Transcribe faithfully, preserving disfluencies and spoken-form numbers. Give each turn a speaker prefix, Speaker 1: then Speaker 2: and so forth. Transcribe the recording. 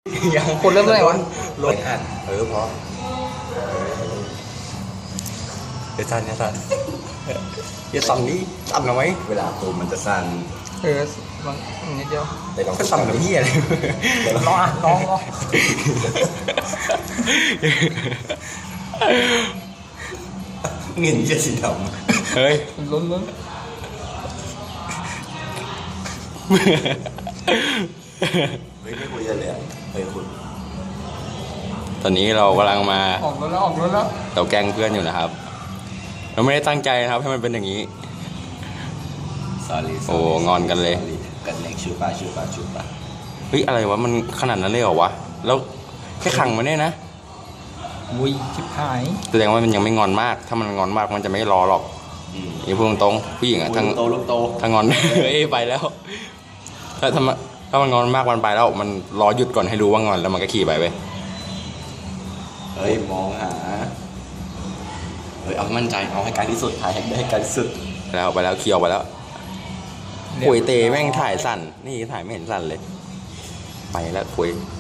Speaker 1: ยังคนเริ่มเมื่อไหร่วะ
Speaker 2: รถอัดเออพอเดี๋ยวสั่นอย่าสั่นอย่าสั่นนี่สั่นเอาไว้เวลาตูมมันจะสั่น
Speaker 1: เออมันนิดเดียว
Speaker 2: แต่ลองสั่นกับพี่อะไร
Speaker 1: ลองอ่ะลองลอง
Speaker 2: เงินจะสีดำเฮ้ย
Speaker 1: ลุ้นลุ้น
Speaker 2: ไม่ไม่คุยกันเลยเฮ้ยคุณตอนนี้เรากำลังมา
Speaker 1: ออกแล้วออกแล้ว
Speaker 2: เราแกล้งเพื่อนอยู่นะครับเราไม่ได้ตั้งใจนะครับให้มันเป็นอย่างนี้ sorry โอ้งอนกันเลยกันเล็กชูปาชูปาชูปาเฮ้ยอะไรวะมันขนาดนั้นเลยเหรอวะแล้วแค่ขังมันเนี่ยนะ
Speaker 1: วุ้ยชิบหาย
Speaker 2: แสดงว่ามันยังไม่งอนมากถ้ามันงอนมากมันจะไม่รอหรอกอย่าพูดตรงๆผู้หญิงอะทั้งโตลูกโตถ้างอน เอ้ยไปแล้วถ้าถ้ามันถ้ามันงอนมากมันไปแล้วมันรอหยุดก่อนให้รู้ว่างอนแล้วมันก็ขี่ไปไปเฮ้ยมองหาเฮ้ยเอามั่นใจเอาให้ไกลที่สุดถ่ายให้ได้ไกลที่สุดแล้วไปแล้วเคียวไปแล้วคุยเตแม่งถ่ายสั่นนี่ถ่ายไม่เห็นสั่นเลยไปแล้วคุย